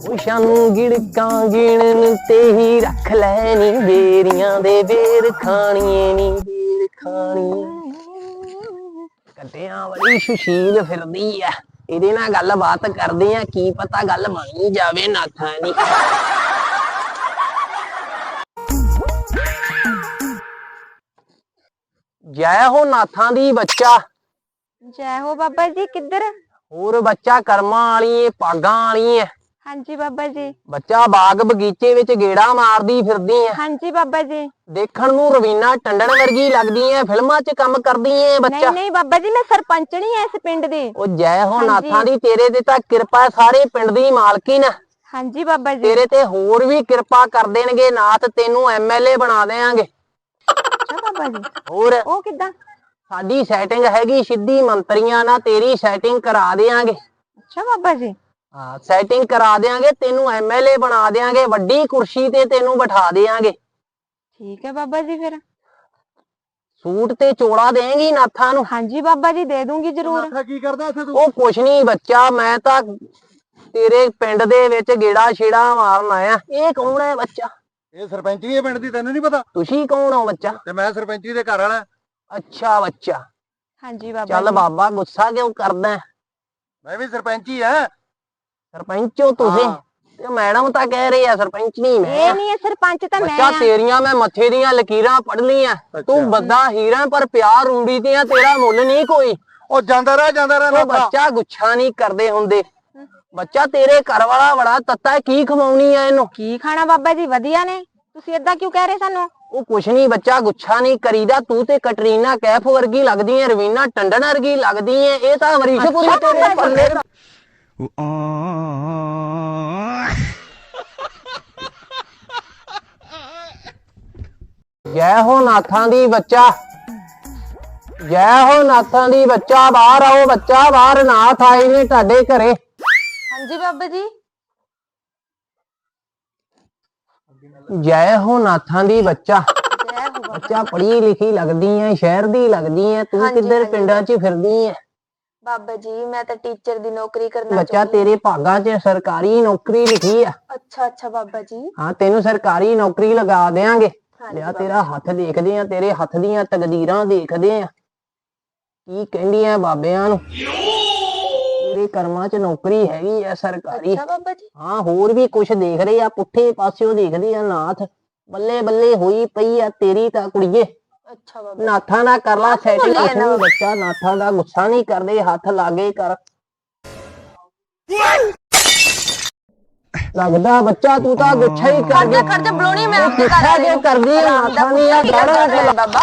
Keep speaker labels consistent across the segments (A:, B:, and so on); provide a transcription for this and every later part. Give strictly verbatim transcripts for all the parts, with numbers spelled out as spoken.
A: खुशां गिड़कां गिणन ते ही रख लैनी बेरियां दे बेर खाणिए नी बेर खाणिए कटियां बड़ी सुशील फिरदी आ इहदे नाल गल बात करदे आ की पता गल बन ही जावे नाथां दी। जय हो नाथां दी बच्चा।
B: जय हो बाबा जी। किधर
A: और बच्चा कर्मा वाली पागां वाली है।
B: हाँ जी बाबा जी।
A: बच्चा बाग बगीचे विच गेड़ा मारदी फिरदी है।
B: हाँ जी बाबा जी।
A: देखण नूं रवीना टंडन वर्गी लगदी है, फिल्मां च काम करदी है बच्चा।
B: नहीं नहीं बाबा जी मैं सरपंचनी है इस पिंड दी। ओ
A: जय हो नाथां दी तेरे ते तां किरपा सारे पिंड दी मालकिन।
B: हाँ जी बाबा जी।
A: तेरे ते होर भी किरपा कर देणगे नाथ, तेनू एम एल ए बना देंगे।
B: अच्छा बाबा जी।
A: और
B: ओ किदां?
A: साडी सैटिंग हैगी सिद्धी मंत्रियां नाल, तेरी सैटिंग करा देंगे।
B: अच्छा बाबा जी।
A: हाँ सैटिंग करा देंगे, तेनू एम एल ए बना देंगे, वड्डी कुर्सी ते तेनू बैठा देंगे।
B: ठीक है बाबा जी। फिर
A: सूट ते चोड़ा देंगी नाथां नूं?
B: हाँ जी बाबा जी दे दूंगी जरूर।
A: नाथा की करदा इत्थे तू? ओ कुछ नहीं बच्चा, मैं तां तेरे पिंड दे विच गेड़ा छेड़ा मारन आया। ये कौन है बच्चा?
C: ये सरपंची है पिंड दी, तैनू नहीं पता?
A: तुसी कौन हो बच्चा?
C: ते मैं सरपंची दे घर वाला।
A: अच्छा बच्चा।
B: हाँ जी बाबा।
A: चल बाबा गुस्सा क्यों करदा है?
C: मैं भी सरपंची है।
A: सरपंच हो तुसी? ते मैडम तां कह रही है सरपंच नहीं मैं।
B: ये नहीं है सरपंच तां मैं।
A: बच्चा तेरियां मैं मथे दियां लकीरां पढ़ लियां। तू बंदा हीरा पर प्यार रूड़ी दियां तेरा मुੱਲ नहीं कोई।
C: ओ जांदा रह जांदा रह।
A: बच्चा गुच्छा नहीं करदे हुंदे। बच्चा तेरे घर वाला बड़ा तत्ता है, की खवाउणी है इनू?
B: की खाना बाबा जी वधिया ने, तुसी इदां क्यों कह रहे सानू?
A: ਉਹ ਕੁਛ ਨਹੀਂ ਬੱਚਾ, ਗੁੱਛਾ ਨਹੀਂ ਕਰੀਦਾ। ਤੂੰ ਤੇ ਕਟਰੀਨਾ ਕੈਫ ਵਰਗੀ ਲੱਗਦੀ ਹੈ, ਰਵੀਨਾ ਟੰਡਨ ਵਰਗੀ ਲੱਗਦੀ ਹੈ। ਇਹ ਤਾਂ ਅਮਰੀਸ਼ਪੁਰੀ ਤੇਰੇ ਪੱਲੇ ਦਾ। ਜੈ ਹੋ ਨਾਥਾਂ ਦੀ ਬੱਚਾ। ਜੈ ਹੋ ਨਾਥਾਂ ਦੀ ਬੱਚਾ। ਬਾਹਰ ਆਓ ਬੱਚਾ, ਬਾਹਰ ਨਾਥ ਆਏ ਨੇ ਤੁਹਾਡੇ ਘਰੇ।
B: हाँ जी बाबा जी।
A: जय हो नाथां दी बच्चा। बच्चा पढ़ी लिखी लगदी है, शहर दी लगदी है, तू
B: हाँ
A: किधर
B: हाँ
A: पिंडां च फिरदी है?
B: बाबा जी मैं तो टीचर दी नौकरी करना
A: बच्चा तेरे भागां च सरकारी नौकरी लिखी है।
B: अच्छा अच्छा बाबा जी।
A: हाँ तेनू सरकारी नौकरी लगा देंगे। लिया तेरा हथ देखदे आ, तेरे हथ दियां तकदीरां देखदे आ की कहंदियां बाबियां नू। तेरे कर्मां च नौकरी हैगी है सरकारी।
B: अच्छा बाबा जी।
A: हाँ होर भी कुछ देख रहे आ, पुट्ठे पासियों देखदे आ नाथ। बल्ले बल्ले हुई पई आ तेरी तां कुड़िए।
B: अच्छा बाबा।
A: नाथा ना कर ला सैटिंग। बच्चा नाथा दा गुस्सा नहीं करदे, हथ लागे कर। लगदा बच्चा तू तां गुस्सा ही कर दे।
B: कर दे ब्लोनी मैं आपके
A: गुस्सा क्यों कर दी नाथा नी आ गाड़ा
B: बाबा।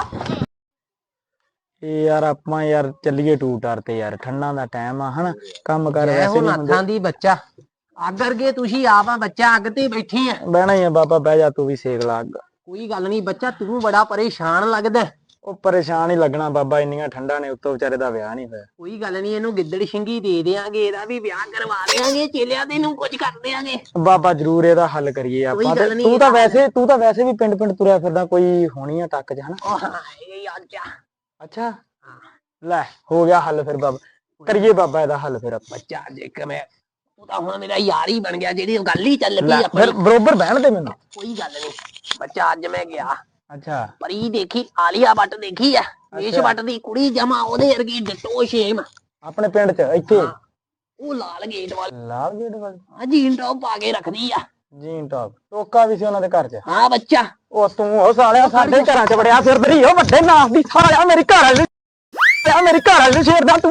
D: यार आपां यार चलिए टू टार ते यार, ठंडा दा टाइम आ हना, काम कर वैसे नहीं
A: नाथां दी बच्चा। अग अरगे तुसी आप आ बच्चा, अग ते बैठी है।
D: बहना ही है बाबा, बह जा तू भी सेक ला अग।
A: कोई गल नहीं बच्चा, तू बड़ा परेशान लगदा।
D: ओ परेशान ही लगना बाबा, इन्नियां ठंडा ने उत्तों बेचारे दा विआह नहीं होया।
A: कोई गल नहीं, इनू गिद्दड़ छिंगी दे देंगे, एदा भी विआह करवा देंगे, चेलिया दे नू कुछ कर देंगे।
D: बाबा जरूर एदा हल करिए आपां। तू तां वैसे तू तां वैसे भी पिंड पिंड तुरया फिरदा, कोई होनी है टक च हना।
A: ओ हां ये अच्छा।
D: अच्छा ले हो गया हल फिर बाबा, करिए बाबा एदा हल फिर।
A: बच्चा देख मैं तू तां हुण मेरा यार ही बन गया, जेडी गल ही चल पई अपनी।
D: फिर बरोबर बहन दे मैनू।
A: कोई गल नहीं बच्चा, अज मैं गया।
D: अच्छा
A: परी देखी, आलिया भट्ट देखी है, वेश भट्ट दी कुड़ी जमा ओदे वर्गी डिटो सेम
D: अपने पिंड च इत्थे।
A: ओ लाल गेट वाल
D: लाल गेट वाल
A: हां जीन टॉप पा के रखदी आ।
D: जीन टॉप टोका भी सी उन्हां दे घर च।
A: हां बच्चा।
D: ओ तू ओ सालिया साडे घरां च बड़िया फिरदी ओ वड्डे नास दी सालिया, मेरी घर वाली आ मेरी घर वाली शेर दा तू।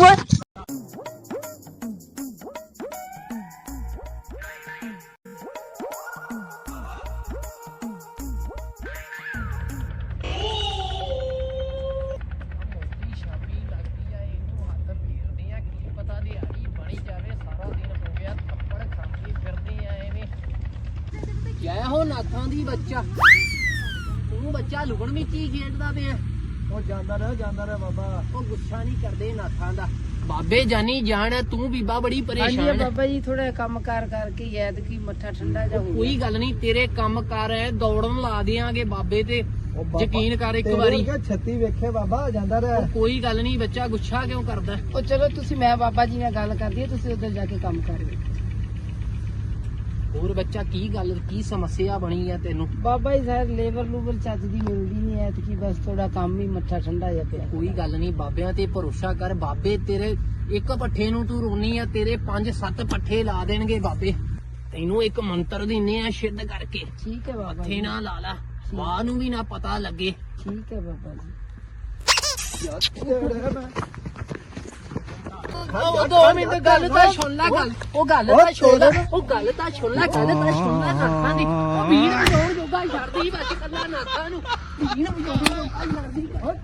A: जय हो नाथां दी बच्चा। तू बच्चा लुकण विच ही खेडदा पिया।
C: ओ जांदा रह जांदा रह बाबा।
A: ओ गुस्सा नहीं करदे नाथां दा। बाबे जानी जान, तू बीबा बड़ी परेशान है।
E: बाबा जी थोड़ा काम कार करके याद की मत्था ठंडा जा हो।
A: कोई गल नहीं, तेरे काम कार है दौड़न ला देंगे बाबे ते, यकीन कर एक बारी।
C: छत्ती वेखे बाबा, जांदा रह।
A: कोई गल नहीं बच्चा, गुस्सा क्यों करदा?
E: ओ चलो तुसी मैं बाबा जी नाल गल करदी, तुसी उधर जाके काम कर लो।
A: ਹੋਰ ਬੱਚਾ ਕੀ ਗੱਲ ਕੀ ਸਮੱਸਿਆ ਬਣੀ ਆ ਤੈਨੂੰ?
E: ਬਾਬਾ ਜੀ ਸਰ ਲੇਬਰ ਲੂਬਰ ਚੱਜ ਦੀ ਮਿਲਦੀ ਨਹੀਂ ਐਤਕੀ, ਬਸ ਥੋੜਾ ਕੰਮ ਹੀ ਮੱਠਾ ਠੰਡਾ ਜਿਹਾ ਪਿਆ।
A: ਕੋਈ ਗੱਲ ਨਹੀਂ, ਬਾਬਿਆਂ ਤੇ ਭਰੋਸਾ ਕਰ। ਬਾਬੇ ਤੇਰੇ ਇੱਕ ਪੱਠੇ ਨੂੰ ਤੂੰ ਰੋਣੀ ਆ, ਤੇਰੇ ਪੰਜ ਸੱਤ ਪੱਠੇ ਲਾ ਦੇਣਗੇ ਬਾਬੇ। ਤੈਨੂੰ ਇੱਕ ਮੰਤਰ ਦਿੰਨੇ ਆ ਸਿੱਧ ਕਰਕੇ,
E: ਠੀਕ ਹੈ ਬਾਬਾ
A: ਮੱਥੇ
E: ਜੀ,
A: ਨਾ ਲਾ ਲਾ, ਮਾਂ ਨੂੰ ਵੀ ਨਾ ਪਤਾ ਲੱਗੇ।
E: ਠੀਕ ਹੈ ਬਾਬਾ ਜੀ।
A: ਉਹ ਦੋ ਮਿੰਟ ਗੱਲ ਤਾਂ ਸੁਣ ਲੈ, ਗੱਲ ਉਹ ਗੱਲ ਤਾਂ ਸੁਣ ਲੈ, ਉਹ ਗੱਲ ਤਾਂ ਸੁਣ ਲੈ, ਗੱਲ ਤਾਂ ਸੁਣ ਲੈ ਨਾਥਾਂ ਦੀ। ਉਹ ਵੀਰ ਵਜਾਉਣ ਜੋਗਾ ਛੱਡਦੀ ਬਸ ਕੱਲਾ ਨਾਥਾਂ ਨੂੰ, ਵੀਰ ਵਜਾਉਣ ਜੋਗਾ ਛੱਡਦੀ।